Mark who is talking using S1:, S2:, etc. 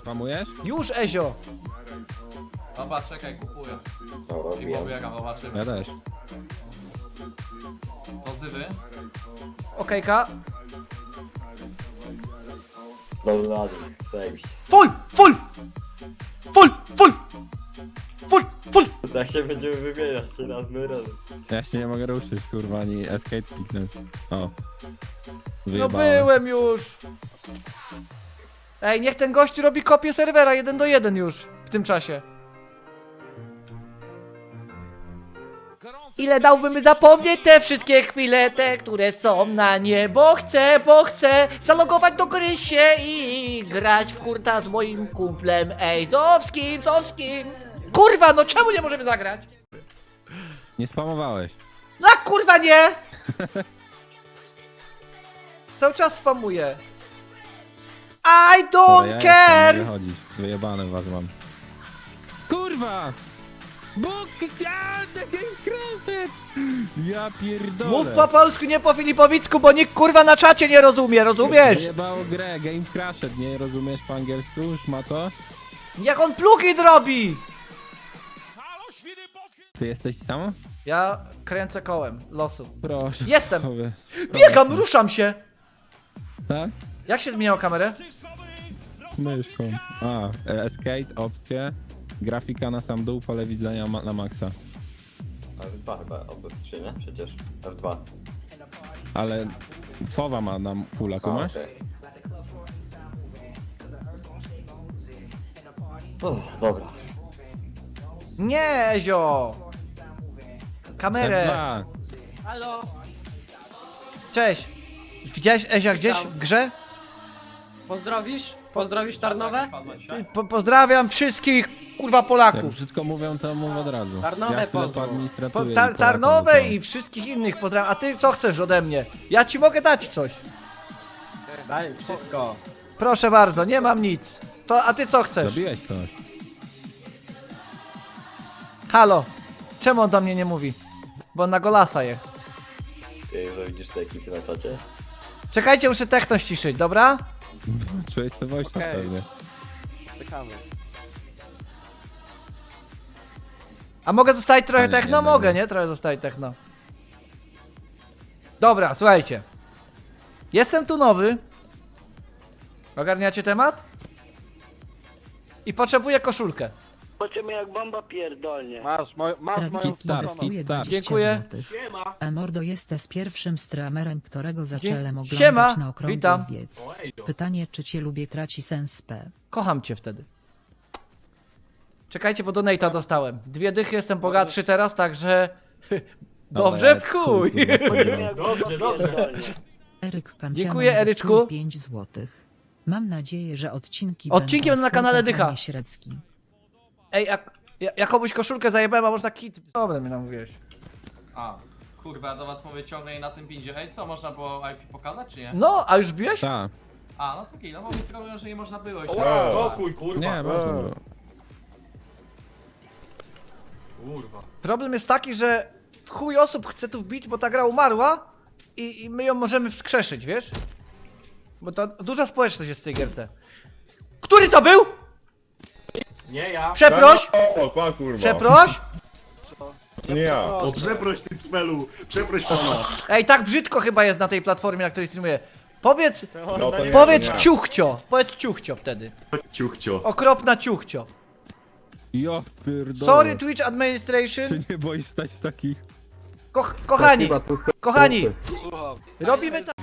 S1: Spamujesz?
S2: Już, Ezio!
S3: Dobra, czekaj, kupuję.
S4: Dobra,
S3: I
S4: wiem.
S3: pobiegam, zobaczymy.
S1: Ja też.
S3: Pozywy.
S2: Okejka.
S4: Dobra, rady. Zajebiście.
S2: Full! Full! Full! Full! Full! Full!
S4: Tak się będziemy wymieniać, raz my razem.
S1: Ja się nie mogę ruszyć, kurwa, ani escape kliknąć. O.
S2: No
S1: Wyjebałem.
S2: byłem już! Ej, niech ten gość robi kopię serwera 1-1 już w tym czasie. Ile dałbym zapomnieć te wszystkie chwile, te, które są na nie, bo chcę zalogować do gry się i grać w kurta z moim kumplem, ej, Zowskim. Kurwa, no czemu nie możemy zagrać?
S1: Nie spamowałeś.
S2: No a kurwa nie! Cały czas spamuję. I
S1: Dobra,
S2: don't
S1: ja
S2: care!
S1: Mogę chodzić. Wyjebane was mam. Kurwa! Bóg! Ja, takie krasze! Ja pierdolę!
S2: Mów po polsku, nie po filipowicku, bo nikt kurwa na czacie nie rozumie, rozumiesz?
S1: Wyjebało grę, Game Crashed, nie rozumiesz po angielsku? Już ma to?
S2: Jak on plugin robi!
S1: Ty jesteś samo?
S2: Ja kręcę kołem losu.
S1: Proszę.
S2: Jestem!
S1: Powiedz.
S2: Biegam, ruszam się!
S1: Tak?
S2: Jak się zmieniało kamerę?
S1: Myszką. A, escape, opcje. Grafika na sam dół, pole widzenia na maksa.
S4: F2 chyba, albo 3, nie? Przecież. F2.
S1: Ale fowa ma nam fulla, tu masz?
S4: okej. Dobra.
S2: Nie, Ezio! Kamerę!
S1: F2.
S5: Halo,
S2: Cześć! Widziałeś Ezia gdzieś w grze?
S5: pozdrowisz? Pozdrowisz Tarnowe?
S2: Pozdrawiam wszystkich kurwa
S1: Jak
S2: Polaków!
S1: brzydko mówią, to mów od razu.
S5: Tarnowe
S1: ja chwilę
S5: pozdro.
S1: poadministratuję i
S2: Tarnowe
S1: Polakom
S2: i wszystkich innych pozdrawiam. A ty co chcesz ode mnie? Ja ci mogę dać coś.
S5: Daj wszystko.
S2: Proszę bardzo, nie mam nic. To, a ty co
S1: to.
S2: chcesz?
S1: Zabiłeś kogoś.
S2: Halo, czemu on do mnie nie mówi? Bo on na golasa je.
S4: Ty że widzisz te ekipy na czacie?
S2: Czekajcie, muszę techno ściszyć, dobra?
S1: Czułeś to voice
S5: Okej.
S1: pewnie.
S5: Czekamy.
S2: A mogę zostawić trochę
S1: Nie,
S2: techno?
S1: nie,
S2: Mogę,
S1: nie.
S2: nie? Trochę zostawić techno. Dobra, słuchajcie. Jestem tu nowy. Ogarniacie temat? I potrzebuję koszulkę.
S6: Zobaczymy jak bomba pierdolnie.
S5: Masz moją
S1: Hit start,
S5: stronę.
S1: hit start.
S2: Dziękuję.
S7: Mordo jesteś pierwszym streamerem, którego zacząłem oglądać
S2: Siema,
S7: na okrągły
S2: witam.
S7: wiec. Pytanie, czy cię lubię, traci sens P.
S2: Kocham cię wtedy. Czekajcie, bo donate'a dostałem. 2 dychy, jestem bogatszy teraz, także... Dobrze w chuj!
S6: Zobaczymy jak bomba pierdolnie.
S7: Eryk Kanciaman
S2: Dziękuję, Eryczku.
S7: 5 złotych. Mam nadzieję, że odcinki
S2: Odcinki będą na kanale
S7: sponsorowane
S2: Dycha.
S7: Średzki.
S2: Ej, ja komuś koszulkę zajebałem, a można kit. Dobra, mnie namówiłeś.
S3: A, kurwa, ja do was mówię ciągle i na tym pindzie. Ej, co, można było IP pokazać, czy nie?
S2: No, a już biłeś?
S1: Tak.
S3: A, no to kilo, bo mi trolują, że nie można było już.
S8: Spokój, kurwa.
S1: Nie, można było.
S8: Kurwa.
S2: Problem jest taki, że w chuj osób chce tu wbić, bo ta gra umarła i my ją możemy wskrzeszyć, wiesz? Bo to duża społeczność jest w tej gierce. Który to był?
S8: Nie ja.
S2: Przeproś!
S8: O, pa, kurwa.
S2: Przeproś!
S8: Nie ja.
S9: O, przeproś ty cmelu, przeproś pana.
S2: Ej, tak brzydko chyba jest na tej platformie, na której streamuję. Powiedz,
S8: No to nie,
S2: powiedz
S8: to nie.
S2: ciuchcio, powiedz ciuchcio wtedy.
S9: Ciuchcio.
S2: Okropna ciuchcio.
S1: Jo, pierdolę.
S2: Sorry Twitch Administration.
S1: Ty nie boisz stać takich...
S2: Kochani, kochani, robimy tak.